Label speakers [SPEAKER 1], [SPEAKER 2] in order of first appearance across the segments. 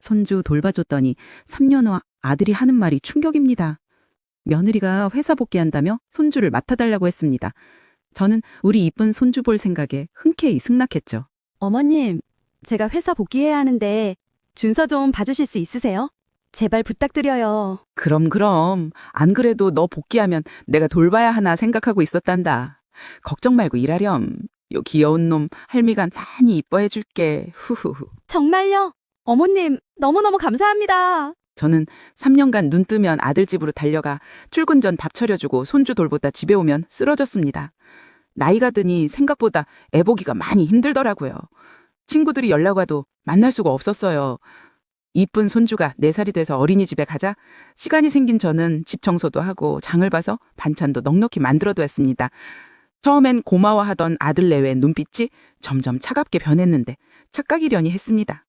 [SPEAKER 1] 손주 돌봐줬더니 3년 후 아들이 하는 말이 충격입니다. 며느리가 회사 복귀한다며 손주를 맡아달라고 했습니다. 저는 우리 이쁜 손주 볼 생각에 흔쾌히 승낙했죠.
[SPEAKER 2] 어머님, 제가 회사 복귀해야 하는데 준서 좀 봐주실 수 있으세요? 제발 부탁드려요.
[SPEAKER 1] 그럼. 안 그래도 너 복귀하면 내가 돌봐야 하나 생각하고 있었단다. 걱정 말고 일하렴. 요 귀여운 놈 할미가 많이 이뻐해 줄게. 후후후.
[SPEAKER 2] 정말요? 어머님, 너무너무 감사합니다.
[SPEAKER 1] 저는 3년간 눈 뜨면 아들 집으로 달려가 출근 전 밥 차려주고 손주 돌보다 집에 오면 쓰러졌습니다. 나이가 드니 생각보다 애보기가 많이 힘들더라고요. 친구들이 연락 와도 만날 수가 없었어요. 이쁜 손주가 4살이 돼서 어린이집에 가자 시간이 생긴 저는 집 청소도 하고 장을 봐서 반찬도 넉넉히 만들어두었습니다. 처음엔 고마워하던 아들 내외 눈빛이 점점 차갑게 변했는데 착각이려니 했습니다.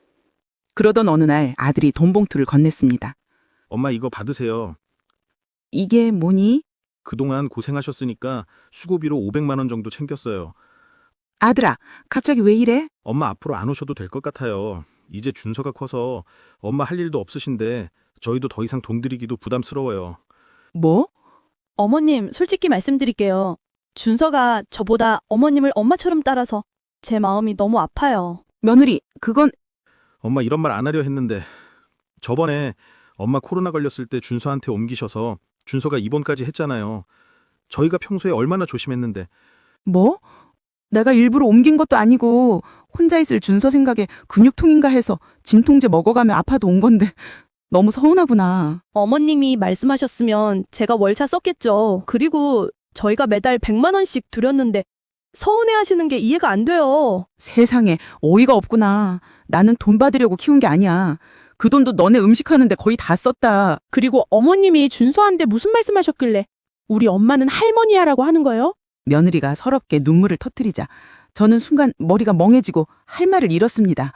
[SPEAKER 1] 그러던 어느 날 아들이 돈 봉투를 건넸습니다.
[SPEAKER 3] 엄마 이거 받으세요.
[SPEAKER 1] 이게 뭐니?
[SPEAKER 3] 그동안 고생하셨으니까 수고비로 500만 원 정도 챙겼어요.
[SPEAKER 1] 아들아, 갑자기 왜 이래?
[SPEAKER 3] 엄마 앞으로 안 오셔도 될 것 같아요. 이제 준서가 커서 엄마 할 일도 없으신데 저희도 더 이상 돈 드리기도 부담스러워요.
[SPEAKER 1] 뭐?
[SPEAKER 2] 어머님, 솔직히 말씀드릴게요. 준서가 저보다 어머님을 엄마처럼 따라서 제 마음이 너무 아파요.
[SPEAKER 1] 며느리, 그건
[SPEAKER 3] 엄마 이런 말 안 하려 했는데 저번에 엄마 코로나 걸렸을 때 준서한테 옮기셔서 준서가 입원까지 했잖아요. 저희가 평소에 얼마나 조심했는데.
[SPEAKER 1] 뭐? 내가 일부러 옮긴 것도 아니고 혼자 있을 준서 생각에 근육통인가 해서 진통제 먹어가며 아파도 온 건데 너무 서운하구나.
[SPEAKER 2] 어머님이 말씀하셨으면 제가 월차 썼겠죠. 그리고 저희가 매달 100만 원씩 드렸는데 서운해하시는 게 이해가 안 돼요.
[SPEAKER 1] 세상에 어이가 없구나. 나는 돈 받으려고 키운 게 아니야. 그 돈도 너네 음식하는데 거의 다 썼다.
[SPEAKER 4] 그리고 어머님이 준서한테 무슨 말씀하셨길래 우리 엄마는 할머니야라고 하는 거예요?
[SPEAKER 1] 며느리가 서럽게 눈물을 터뜨리자 저는 순간 머리가 멍해지고 할 말을 잃었습니다.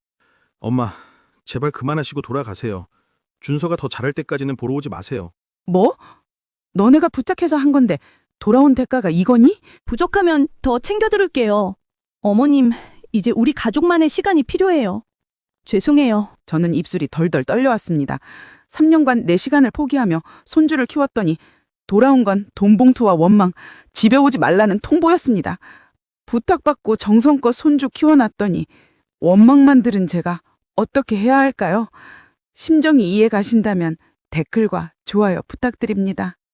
[SPEAKER 3] 엄마 제발 그만하시고 돌아가세요. 준서가 더 잘할 때까지는 보러 오지 마세요.
[SPEAKER 1] 뭐? 너네가 부탁해서 한 건데 돌아온 대가가 이거니?
[SPEAKER 2] 부족하면 더 챙겨드릴게요. 어머님, 이제 우리 가족만의 시간이 필요해요. 죄송해요.
[SPEAKER 1] 저는 입술이 덜덜 떨려왔습니다. 3년간 내 시간을 포기하며 손주를 키웠더니 돌아온 건 돈 봉투와 원망, 집에 오지 말라는 통보였습니다. 부탁받고 정성껏 손주 키워놨더니 원망만 들은 제가 어떻게 해야 할까요? 심정이 이해 가신다면 댓글과 좋아요 부탁드립니다.